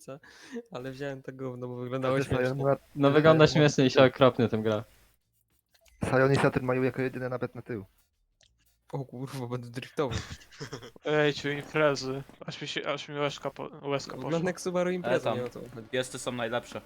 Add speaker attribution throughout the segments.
Speaker 1: Sionicę, ale wziąłem to gówno, bo wyglądało śmiesznie.
Speaker 2: No wygląda śmiesznie i się okropnie tym gra.
Speaker 3: Sion i Saturn mają jako jedyne nawet na tył.
Speaker 1: O kurwa, będę driftował.
Speaker 4: Ejciu, imprezy. Aż mi łezka
Speaker 1: Wygląda
Speaker 4: poszła.
Speaker 1: jak Subaru impreza,
Speaker 5: tam.
Speaker 1: nie o to chodzi.
Speaker 5: Piesty są najlepsze.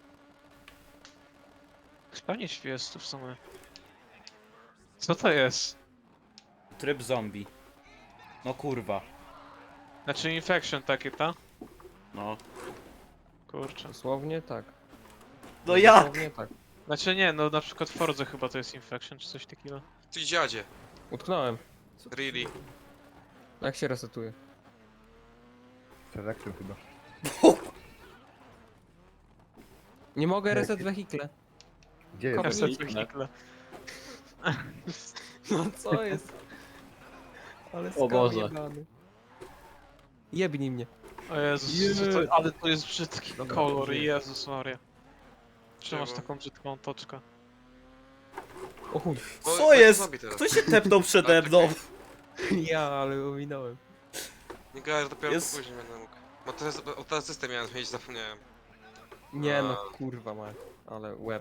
Speaker 4: Pewnie świestu w sumie. Co to jest?
Speaker 5: Tryb zombie. No kurwa.
Speaker 4: Znaczy infection takie, ta?
Speaker 5: No.
Speaker 4: Kurczę.
Speaker 1: Dosłownie tak.
Speaker 5: No jak?
Speaker 1: Dosłownie tak.
Speaker 4: Znaczy nie, no na przykład w Fordze chyba to jest infection czy coś takiego.
Speaker 6: Ty dziadzie.
Speaker 1: Utknąłem.
Speaker 6: Really?
Speaker 1: Jak się resetuje?
Speaker 3: Selekcją chyba.
Speaker 1: Nie mogę reset wehikle.
Speaker 3: Gdzie jest?
Speaker 4: Reset
Speaker 5: Infection.
Speaker 4: wehikle.
Speaker 1: No co jest? Ale
Speaker 2: O Boże.
Speaker 1: jebany. Jebnij mnie.
Speaker 4: O Jezus, ale to jest brzydki
Speaker 1: Dobra,
Speaker 4: kolor,
Speaker 1: żyję.
Speaker 4: Jezus Maria. Czemu masz
Speaker 6: Czemu?
Speaker 4: taką brzydką toczkę?
Speaker 1: O chuj.
Speaker 5: Co jest? Kto się tepnął przede mną?
Speaker 1: Ja, ale ominąłem.
Speaker 6: Nie gadaj, że dopiero
Speaker 5: Jest-
Speaker 6: później będę mógł. Bo ten system miałem zmienić, zapomniałem.
Speaker 1: Nie no,
Speaker 6: A.
Speaker 1: kurwa ma. Ale łeb.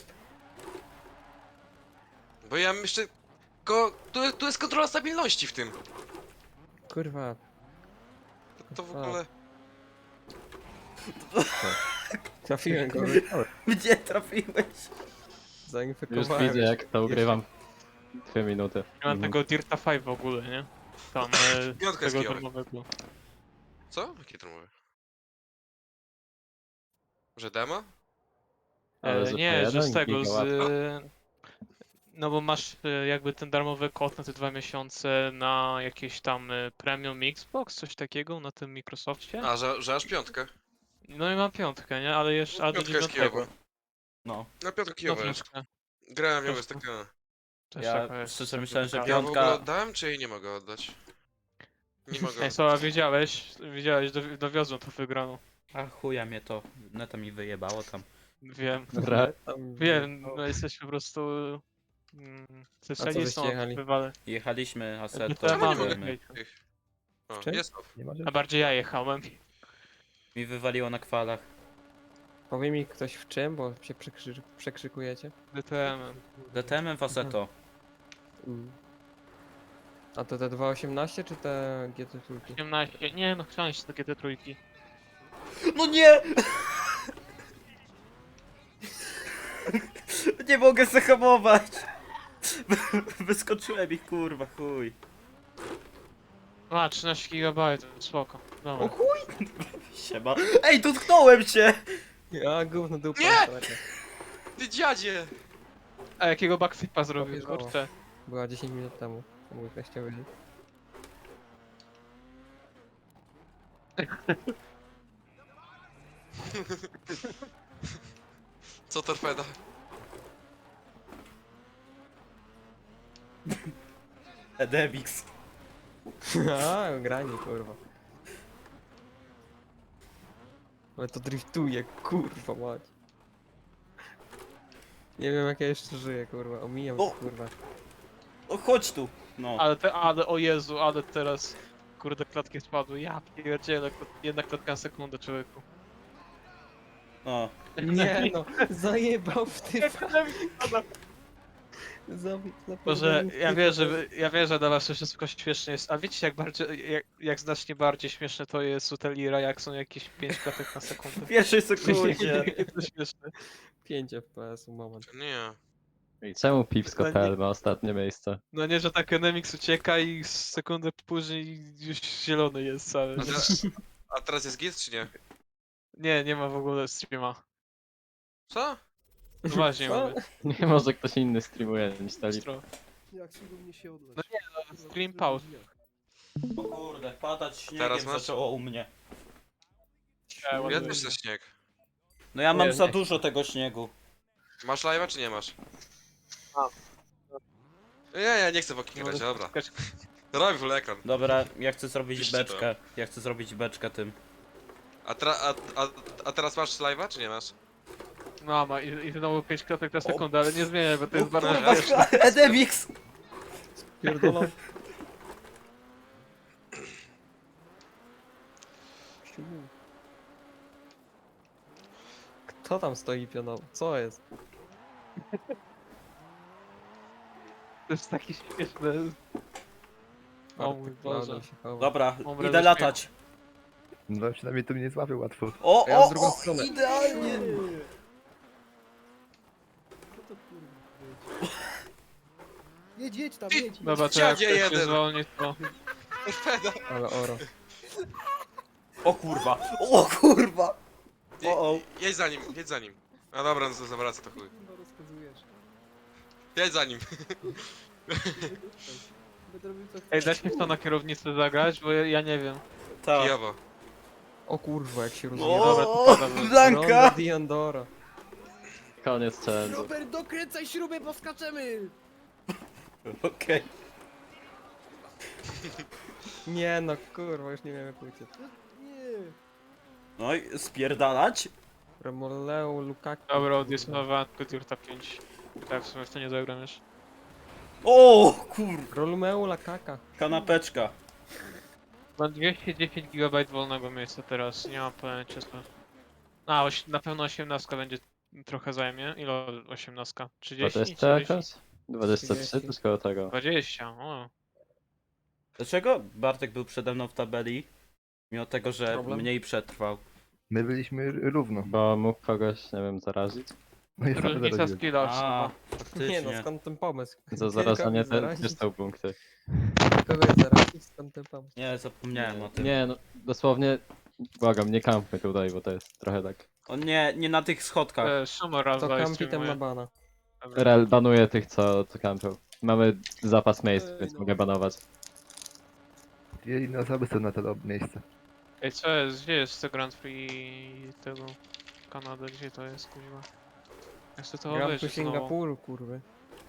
Speaker 6: Bo ja jeszcze... Tu jest kontrola stabilności w tym.
Speaker 1: Kurwa.
Speaker 6: To w ogóle...
Speaker 1: Trafiłem go.
Speaker 5: Gdzie trafiłeś?
Speaker 2: Już
Speaker 1: Zainfekowałem.
Speaker 2: widzę jak to ugrywam. 2 minuty.
Speaker 4: Nie mam tego Dirta 5 w ogóle, nie? Tam,
Speaker 6: Piątka jest
Speaker 4: tego
Speaker 6: kijowy.
Speaker 4: darmowego.
Speaker 6: Co? Jakie to mówię? Że demo?
Speaker 2: Ale że
Speaker 4: Nie,
Speaker 2: to
Speaker 4: że z
Speaker 2: jeden
Speaker 4: tego,
Speaker 2: giga
Speaker 4: z... No bo masz jakby ten darmowy kod na te 2 miesiące na jakieś tam premium Xbox, coś takiego na tym Microsoftie.
Speaker 6: A, że aż piątkę.
Speaker 4: No i mam piątkę, nie? Ale jeszcze ale do
Speaker 6: Piątka jest
Speaker 4: 9.
Speaker 6: kijowa.
Speaker 5: No.
Speaker 6: Na piątkę
Speaker 4: No
Speaker 6: kijowa jest.
Speaker 4: piątka.
Speaker 6: Grałem ją, jest taka...
Speaker 4: Też
Speaker 5: Ja
Speaker 4: taka jest.
Speaker 5: szczerze myślałem, że
Speaker 4: taka-
Speaker 6: Ja w ogóle
Speaker 5: Piątka-
Speaker 6: oddałem, czy jej nie mogę oddać? Nie mogę.
Speaker 4: Ej, Soła, wiedziałeś, dowiozłem to wygraną.
Speaker 5: A chuja mnie to. Neta mi wyjebało tam.
Speaker 4: Wiem,
Speaker 2: Dobra.
Speaker 4: wiem, no jesteśmy po prostu...
Speaker 1: żeście jechali?
Speaker 4: Wywale.
Speaker 5: Jechaliśmy Assetto.
Speaker 4: To ja
Speaker 6: Czemu nie
Speaker 4: mam
Speaker 6: mogę?
Speaker 5: jedziemy.
Speaker 6: O,
Speaker 1: Czym?
Speaker 6: jest off.
Speaker 3: Nie ma
Speaker 4: A bardziej ja jechałem.
Speaker 5: Mi wywaliło na kwalach.
Speaker 1: Powie mi ktoś w czym, bo się przekrzykujecie.
Speaker 4: DTM.
Speaker 5: DTM w Assetto.
Speaker 1: Mm. A to te 2.18 czy te GT trójki?
Speaker 4: 18, nie no, chciałem się takie te trójki.
Speaker 5: No nie! Nie mogę zahamować! Wyskoczyłem ich kurwa, chuj.
Speaker 4: A, 13 GB, spoko. Dobra.
Speaker 1: O chuj!
Speaker 5: Siema. Ej, dotknąłem cię!
Speaker 1: Ja gówno dupa.
Speaker 6: Nie!
Speaker 1: sorry.
Speaker 6: Ty dziadzie!
Speaker 4: A jakiego backflipa zrobił,
Speaker 1: Powierzało.
Speaker 4: kurczę.
Speaker 1: Była 10 minut temu. Mój teściowy.
Speaker 6: Co torpeda?
Speaker 5: Edemix.
Speaker 1: A, granie kurwa. Ale to driftuje, kurwa mać. Nie wiem jak ja jeszcze żyję, kurwa. Omijam,
Speaker 5: O!
Speaker 1: kurwa.
Speaker 5: O, chodź tu. No.
Speaker 4: Ale o Jezu, ale teraz... Kurde, klatki spadły, ja pierdzielę, jedna klatka na sekundę, człowieku.
Speaker 5: O.
Speaker 1: Nie no, zajebał w typa.
Speaker 4: Boże, ja wiem, że dla was to wszystko śmieszne jest, a wiecie jak znacznie bardziej śmieszne to jest u Telira, jak są jakieś 5 klatek na sekundę.
Speaker 5: W pierwszej sekundzie.
Speaker 4: Jakie to śmieszne.
Speaker 1: 5 FPS moment.
Speaker 6: Nie.
Speaker 2: I czemu Pipsko.pl
Speaker 4: nie-
Speaker 2: ma ostatnie miejsce?
Speaker 4: No nie, że tak Enemix ucieka i sekundę później już zielony jest cały.
Speaker 6: A teraz jest git, czy nie?
Speaker 4: Nie, nie ma w ogóle streama.
Speaker 6: Co?
Speaker 4: No właśnie
Speaker 1: Co?
Speaker 4: mamy.
Speaker 2: Nie może ktoś inny streamuje niż Tali.
Speaker 4: Stro.
Speaker 3: Jak się do mnie się odlać?
Speaker 4: No nie, no, stream pause.
Speaker 5: O kurde, padać śniegiem
Speaker 6: Teraz masz?
Speaker 5: zaczęło u mnie.
Speaker 6: Ja też chcę śnieg.
Speaker 5: No ja mam
Speaker 4: Nie,
Speaker 5: za
Speaker 4: nie.
Speaker 5: dużo tego śniegu.
Speaker 6: Masz live'a, czy nie masz?
Speaker 4: Mam.
Speaker 6: Ja nie chcę w oknie grać, dobra. Robi full ekran.
Speaker 5: Dobra, ja chcę zrobić
Speaker 6: Piszcie to.
Speaker 5: beczkę. Ja chcę zrobić beczkę tym.
Speaker 6: A teraz masz live'a, czy nie masz?
Speaker 4: Mama, i znowu 5 klatek na sekundę, ale nie zmieniaj, bo to jest bardzo
Speaker 6: kurwa,
Speaker 4: śmieszne.
Speaker 5: Edemix!
Speaker 1: Pierdolą. Kto tam stoi pionowo? Co jest?
Speaker 4: To jest taki śmieszny. O mój
Speaker 1: Bartek
Speaker 4: Boże.
Speaker 1: Cloudem się chowa.
Speaker 5: Dobra,
Speaker 4: Dobra,
Speaker 5: idę latać.
Speaker 3: No przynajmniej to mnie nie złapią łatwo.
Speaker 5: O,
Speaker 1: Ja w
Speaker 5: o,
Speaker 1: drugą
Speaker 5: o,
Speaker 1: stronę.
Speaker 5: idealnie.
Speaker 7: Jedź tam, jedź.
Speaker 4: Dobra, to
Speaker 6: Dziadzie
Speaker 4: jak ktoś się
Speaker 6: jeden.
Speaker 4: zwolni, to...
Speaker 6: Torpeda.
Speaker 1: Ale oro.
Speaker 5: O kurwa, o kurwa. O.
Speaker 6: Jedź za nim, jedź za nim. A dobra, no to zawraca to chuj.
Speaker 7: No rozkazujesz.
Speaker 6: Jedź za nim.
Speaker 7: Będę robił co
Speaker 4: Ej,
Speaker 7: chcę.
Speaker 4: dać mi to na kierownicę zagrać, bo ja nie wiem.
Speaker 5: Tak.
Speaker 6: Kijowo.
Speaker 1: O kurwa, jak się
Speaker 5: O,
Speaker 1: rozumie.
Speaker 4: Dobra, to pada, bo-
Speaker 1: Ronda
Speaker 5: Blanka.
Speaker 1: Diandora.
Speaker 2: Koniec challenge'u.
Speaker 7: Robert, dokręcaj śrubę, poskaczemy!
Speaker 5: Okej.
Speaker 1: Nie no, kurwa, już nie wiem jak uciec.
Speaker 7: Nie.
Speaker 5: No i spierdalać.
Speaker 1: Remoleo, Lukaku.
Speaker 4: Dobra, odjechałem Kuturta 5. Tak, w sumie w to nie zagram już.
Speaker 5: O kur...
Speaker 1: Romeo, Lakaka.
Speaker 5: Kanapeczka.
Speaker 4: Mam 210 GB wolnego miejsca teraz, nie mam pojęcia co. A, na pewno 18 będzie trochę zajmie. Ile 18? 30?
Speaker 2: 20 jakaś? 23
Speaker 1: 30.
Speaker 2: to koło tego.
Speaker 4: 20, o.
Speaker 5: Dlaczego Bartek był przede mną w tabeli? Mimo tego, że
Speaker 1: Problem?
Speaker 5: mniej przetrwał.
Speaker 3: My byliśmy równo.
Speaker 2: Bo mógł kogoś, nie wiem, zarazić.
Speaker 3: No i sam
Speaker 4: Różnica
Speaker 3: zarobiłem.
Speaker 4: skilla
Speaker 5: A,
Speaker 4: chyba.
Speaker 1: Nie no,
Speaker 5: faktycznie.
Speaker 1: skąd ten pomysł?
Speaker 2: Za zarażanie
Speaker 1: Kogoś
Speaker 2: też
Speaker 1: zarazić?
Speaker 2: dostał punkty.
Speaker 1: Kogoś zarazić, skąd ten pomysł?
Speaker 5: Nie, zapomniałem o tym.
Speaker 2: Nie no, dosłownie, błagam, nie kampmy tutaj, bo to jest trochę tak.
Speaker 5: O nie, nie na tych schodkach.
Speaker 4: Szumor raz
Speaker 1: To
Speaker 4: daje
Speaker 1: kampi ten
Speaker 4: streamuje.
Speaker 1: na bana.
Speaker 4: Dobra.
Speaker 2: Rel banuje tych, co kampią. Mamy zapas miejsc,
Speaker 7: Ej,
Speaker 2: więc
Speaker 7: no.
Speaker 2: mogę banować.
Speaker 3: Dwie inne osoby są na to miejsce.
Speaker 4: Ej, co jest? Gdzie jest to Grand Prix tego Kanady? Gdzie to jest, kurwa? Ja chcę to
Speaker 1: Gram tu
Speaker 4: obejrzeć znowu.
Speaker 1: Singapuru, kurwy.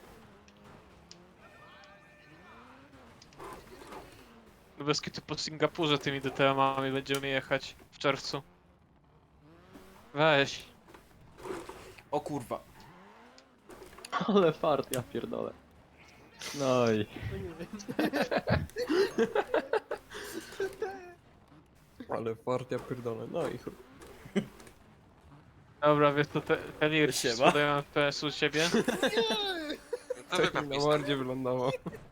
Speaker 4: No bez kitu po Singapurze tymi DTM-ami będziemy jechać w czerwcu. Weź.
Speaker 5: O kurwa.
Speaker 2: Ale fart, ja pierdolę. No i...
Speaker 1: Ale fartia pierdolę, no i chuj.
Speaker 4: Dobra, wiesz to Telir,
Speaker 5: Siema.
Speaker 4: sprzedają FPS u ciebie?
Speaker 6: To
Speaker 1: Tak
Speaker 6: wypad
Speaker 1: mi na mordzie wylądował.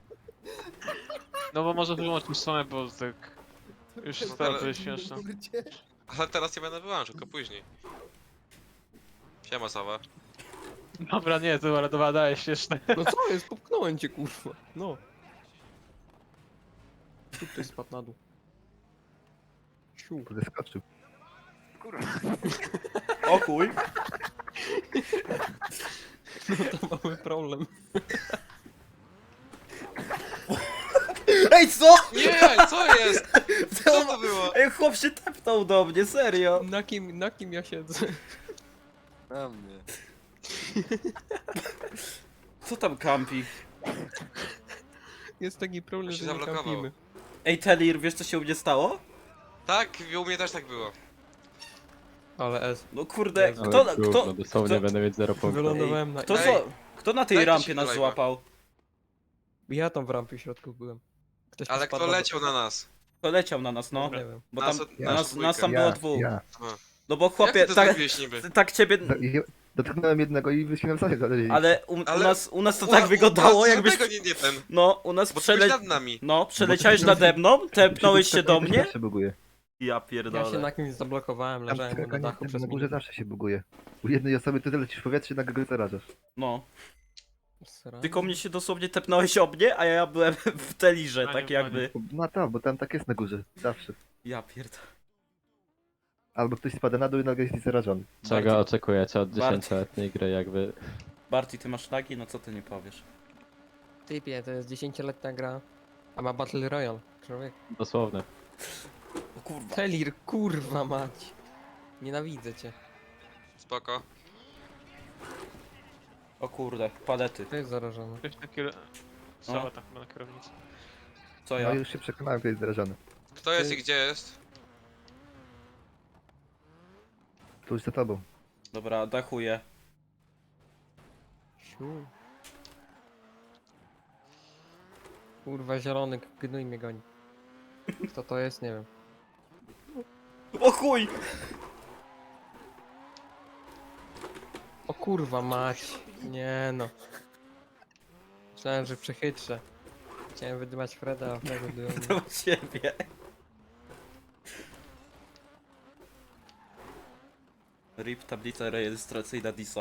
Speaker 4: No bo może wyłączyć stronę, bo tak... Już to jest śmieszne.
Speaker 6: Ale teraz nie będę wyłączył, tylko później. Siema Sawa.
Speaker 4: Dobra, nie, to dobra, daje śmieszne.
Speaker 1: No co jest? Popchnąłem cię, kurwa. No. Tu ktoś spadł na dół. Siu.
Speaker 3: Zeskoczył.
Speaker 5: O chuj.
Speaker 1: No to mamy problem.
Speaker 5: Ej, co?
Speaker 6: Nie, co jest? Co to było?
Speaker 5: Ej, chłop się tepnął do mnie, serio.
Speaker 1: Na kim ja siedzę?
Speaker 6: Na mnie.
Speaker 5: Co tam kampi?
Speaker 1: Jest taki problem,
Speaker 6: Się
Speaker 1: że nie
Speaker 6: zablokował.
Speaker 1: kampimy.
Speaker 5: Ej, Telir, wiesz co się u mnie stało?
Speaker 6: Tak, u mnie też tak było.
Speaker 1: Ale S.
Speaker 5: No kurde,
Speaker 3: Ale
Speaker 5: kto,
Speaker 2: Ale gówno, dosłownie
Speaker 5: kto,
Speaker 2: będę mieć 0 punktów.
Speaker 1: Wylądowałem na...
Speaker 5: kto,
Speaker 6: Ej,
Speaker 5: kto na tej
Speaker 6: dajcie
Speaker 5: rampie
Speaker 6: się
Speaker 5: nas
Speaker 6: do live'a.
Speaker 5: złapał?
Speaker 1: Ja tam w rampie w środku byłem. Ktoś tu
Speaker 6: Ale
Speaker 1: spadł
Speaker 6: kto
Speaker 1: na-
Speaker 6: leciał na nas?
Speaker 5: To leciał na nas, no.
Speaker 1: Nie wiem.
Speaker 5: Bo
Speaker 6: Nas
Speaker 5: tam,
Speaker 6: od-
Speaker 3: Ja.
Speaker 5: nas tam było dwóch.
Speaker 3: Ja.
Speaker 5: No bo
Speaker 6: Jak
Speaker 5: chłopie,
Speaker 6: ty to
Speaker 5: tak,
Speaker 6: zrobiłeś niby?
Speaker 5: tak ciebie...
Speaker 3: Dotknąłem jednego i wyśmiałem sobie dalej.
Speaker 5: Ale
Speaker 6: Ale-
Speaker 5: u nas to tak wyglądało, jakbyś...
Speaker 6: Dlatego nie ten.
Speaker 5: No, u nas
Speaker 6: Bo ty byłeś
Speaker 5: przele...
Speaker 6: nad nami.
Speaker 5: No, przeleciałeś nade mną, tepnąłeś się do mnie.
Speaker 3: Zawsze buguje.
Speaker 5: Ja
Speaker 1: Ja się
Speaker 5: pierdolę.
Speaker 1: na kimś zablokowałem,
Speaker 3: Tam
Speaker 1: leżałem mu na
Speaker 3: skakanie
Speaker 1: dachu przez
Speaker 3: na górze
Speaker 1: minutę.
Speaker 3: zawsze się buguje. U jednej osoby ty lecisz w powietrze, na górę zarażasz.
Speaker 5: No,
Speaker 1: Sra.
Speaker 5: tylko mnie się dosłownie tepnąłeś o mnie, a ja byłem w telirze, tak
Speaker 4: Panie,
Speaker 5: jakby.
Speaker 3: No to, bo tam tak jest na górze. Zawsze.
Speaker 5: Ja pierdolę.
Speaker 3: Albo ktoś spada na dół i nagle jest zarażony.
Speaker 2: Czego
Speaker 5: Bardziej-
Speaker 2: oczekujecie od
Speaker 5: bardziej-
Speaker 2: 10-letniej gry, jakby...
Speaker 5: Barty, ty masz lagi? No co ty nie powiesz?
Speaker 1: Typie, to jest 10-letnia gra. A ma Battle Royale. Człowiek.
Speaker 2: Dosłownie.
Speaker 5: O kurwa.
Speaker 1: Telir, kurwa mać. Nienawidzę cię.
Speaker 6: Spoko.
Speaker 5: O kurde, palety.
Speaker 1: To jest zarażony.
Speaker 4: Ktoś na kier... Sała tak chyba na kierownicy.
Speaker 5: Co
Speaker 3: No
Speaker 5: ja?
Speaker 3: już się przekonałem, kto jest zarażony.
Speaker 6: Kto jest i gdzie jest?
Speaker 3: Tu już za tobą.
Speaker 5: Dobra, dachuję.
Speaker 1: Siu. Kurwa, zielony gnój mnie goni. Kto to jest, nie wiem.
Speaker 5: O chuj!
Speaker 1: Kurwa mać. Nie no. Myślałem, że przechytrzę. Chciałem wydymać Freda, a Freda wydywał mnie.
Speaker 5: Do ciebie. RIP tablica rejestracyjna Disa.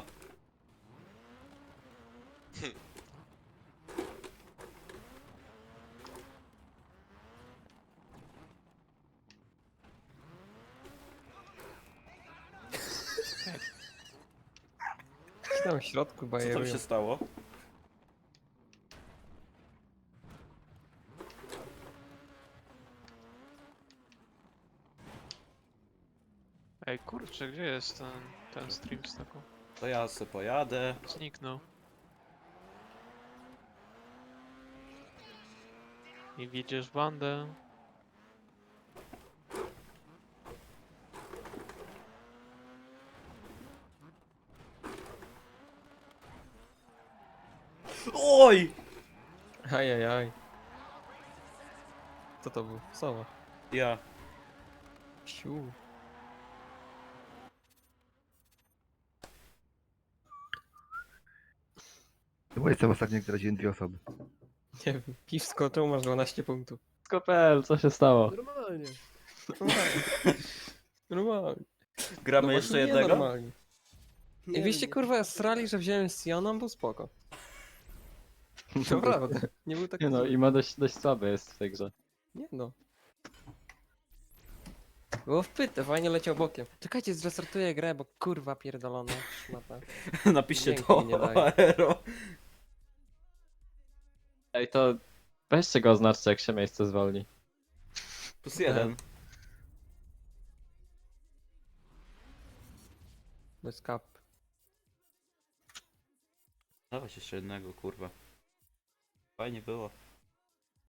Speaker 1: Tam w środku
Speaker 5: Co tam
Speaker 1: bajerują.
Speaker 5: się stało?
Speaker 4: Ej, kurczę, gdzie jest ten stream z taką?
Speaker 5: To ja se pojadę.
Speaker 4: Zniknął. I widzisz bandę.
Speaker 5: Oj!
Speaker 1: Ajajaj. Co to był? Sowa.
Speaker 5: Ja.
Speaker 1: Siu.
Speaker 3: To moje co ostatnio, jak zaraziłem 2 osoby.
Speaker 1: Nie wiem. Piwsko, czemu masz 12 punktów?
Speaker 2: Skopel, co się stało?
Speaker 7: Normalnie.
Speaker 1: Normalnie. Normalnie.
Speaker 5: Gramy
Speaker 1: No
Speaker 5: jeszcze
Speaker 1: właśnie nie
Speaker 5: jednego?
Speaker 1: normalnie. I wyście kurwa strali, że wziąłem Sioną, był spoko. Naprawdę. Nie był taki
Speaker 2: Nie no,
Speaker 1: zły.
Speaker 2: i ma dość słaby jest w tej grze.
Speaker 1: Nie no. Było wpyte, fajnie leciał bokiem. Czekajcie, zrestartuję grę, bo kurwa pierdolona szmata.
Speaker 5: Napiszcie
Speaker 1: Dźwięku
Speaker 5: to
Speaker 1: mi nie daje.
Speaker 5: Aero.
Speaker 2: Ej, to weźcie go oznaczcie, jak się miejsce zwolni.
Speaker 5: +1.
Speaker 1: Bez kap.
Speaker 5: Dawać jeszcze jednego, kurwa. Fajnie było.